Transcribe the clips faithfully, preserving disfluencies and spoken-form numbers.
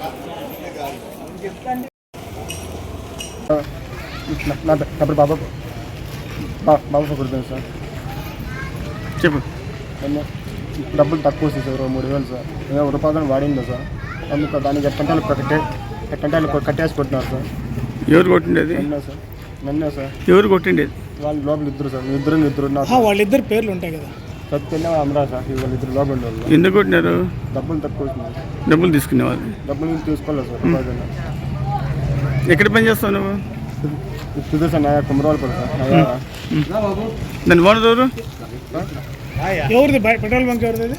నా పేరు బాబా బాబా కుడుతుంది సార్. చెప్పు. డబ్బులు తక్కువ వస్తాయి సార్, మూడు వేలు సార్. నేను రూపాయలు వాడిందా సార్, అందుకు దానికి ఎట్టంటాలు కట్టే ఎట్టంటాలు కట్టేసి కొట్టినారు సార్. ఎవరు కొట్టిండేది? నిన్న సార్ నిన్న సార్. ఎవరు కొట్టిండేది? వాళ్ళు లోపల ఇద్దరు సార్, ఇద్దరు ఇద్దరు ఉన్నారు. వాళ్ళిద్దరు పేర్లు ఉంటాయి కదా, సత్యన్న అమరా సార్. వాళ్ళిద్దరు లోపల ఉండేవాళ్ళు. ఎందుకు కొట్టినారు? డబ్బులు తక్కువ వచ్చినాయి. డబ్బులు తీసుకునేవాళ్ళు? డబ్బులు తీసుకోలేదు సార్. రూపాయలు ఎక్కడ పని చేస్తావు నువ్వు? ఇది సార్ నాయా కుమరవాళ్ళు పడు సార్. దాని ఓనర్ ఎవరు? ఎవరిది పెట్రోల్ బంక్ ఎవరిది?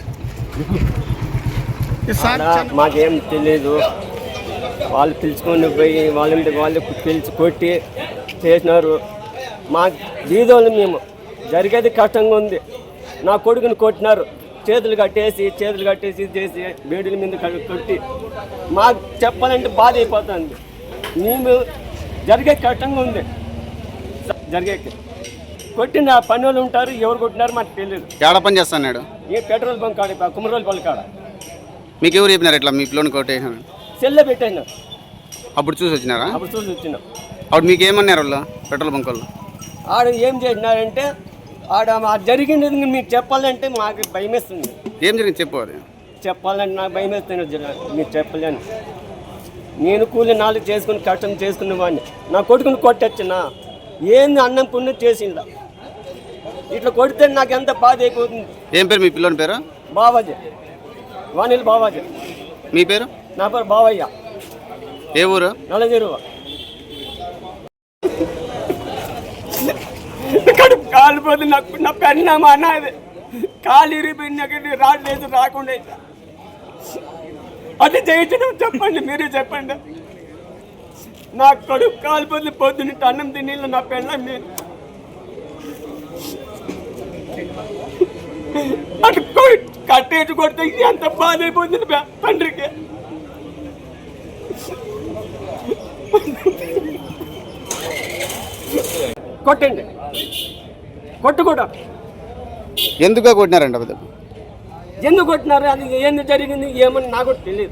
మాకేం తెలియదు. వాళ్ళు పిలుచుకొని పోయి వాళ్ళ వాళ్ళు పిలిచి కొట్టి చేసినారు. మా వీధోళ్ళు మేము జరిగేది కష్టంగా ఉంది. నా కొడుకుని కొట్టినారు, చేతులు కట్టేసి చేతులు కట్టేసి చేసి బేడుల మీద కొట్టి మాకు చెప్పాలంటే బాధ అయిపోతుంది. మేము జరిగే కష్టంగా ఉంది. జరిగే కొట్టిన పని వాళ్ళు ఉంటారు, ఎవరు కొట్టినారు మాకు తెలియదు. ఎక్కడ పని చేస్తున్నాడు? ఏ పెట్రోల్ బంక్ కాడ, కుమరోల్ పల్లి కాడ. మీకు ఎవరు చెప్పినారు ఇట్లా మీ పిల్లని కొట్టేసినారు? సెల్లె పెట్టేసినారు. అప్పుడు చూసి వచ్చినారా? అప్పుడు చూసి వచ్చినాం. అప్పుడు మీకు ఏమన్నారు వాళ్ళు పెట్రోల్ బంక్ వాళ్ళు? ఆడ ఏం చేసినారంటే ఆడ మా జరిగింది మీకు చెప్పాలంటే మాకు భయం వేస్తుంది. ఏం జరిగింది చెప్పు. అది చెప్పాలంటే నాకు భయం వేస్తుంది, మీరు చెప్పలేను. నేను కూలి నాలుగు చేసుకుని కష్టం చేసుకునే వాడిని. నా కొడుకుని కొట్టొచ్చునా ఏంది అన్నం పుణ్యం చేసిందా? ఇట్లా కొడితే నాకు ఎంత బాధ అయిపోతుంది. ఏం పేరు మీ పిల్లని పేరు? బావాజీ, వాణిల్ బావాజీ. మీ పేరు? నా పేరు బావయ్య. ఏ ఊరు? నల్లజెరువ. కడుపు కాలిపోతే నాకు నా పెన్నామా అన్నది కాలు ఇరిపోయిన రాలేదు రాకుండా అది చేయించడం చెప్పండి, మీరే చెప్పండి. నా కడుపు కాలిపోతే పొద్దున్న అన్నం తిని నా పెళ్ళ నేను అటు కట్టేసి కొడితే ఎంత బాధ అయిపోతుంది తండ్రికి. కొట్టండి, కొట్టు కూడా. ఎందుకు కొట్టినారంట? ఎందుకు కొట్టినారు, అది ఏంది జరిగింది ఏమని నాకు తెలియదు.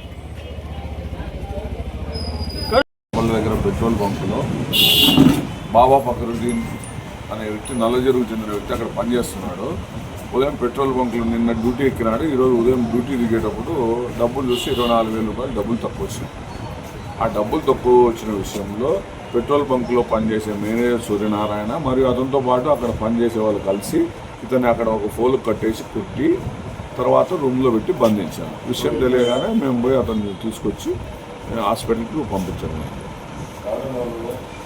వాళ్ళ దగ్గర పెట్రోల్ బంకులో బాబా ఫకరుద్దీన్ అనే వ్యక్తి నల్లజెరువు చెందిన వ్యక్తి అక్కడ పనిచేస్తున్నాడు. ఉదయం పెట్రోల్ బంకులో నిన్న డ్యూటీ ఎక్కినాడు. ఈరోజు ఉదయం డ్యూటీ దిగేటప్పుడు డబ్బులు చూసి ఇరవై నాలుగు వేల రూపాయలు డబ్బులు తక్కువ వచ్చినాయి. ఆ డబ్బులు తక్కువ వచ్చిన విషయంలో పెట్రోల్ బంకులో పనిచేసే మేనేజర్ సూర్యనారాయణ మరియు అతనితో పాటు అక్కడ పనిచేసే వాళ్ళు కలిసి ఇతన్ని అక్కడ ఒక ఫోన్కు కట్టేసి కుట్టి తర్వాత రూమ్లో పెట్టి బంధించాను. విషయం తెలియగానే మేము పోయి అతన్ని తీసుకొచ్చి హాస్పిటల్కి పంపించాము.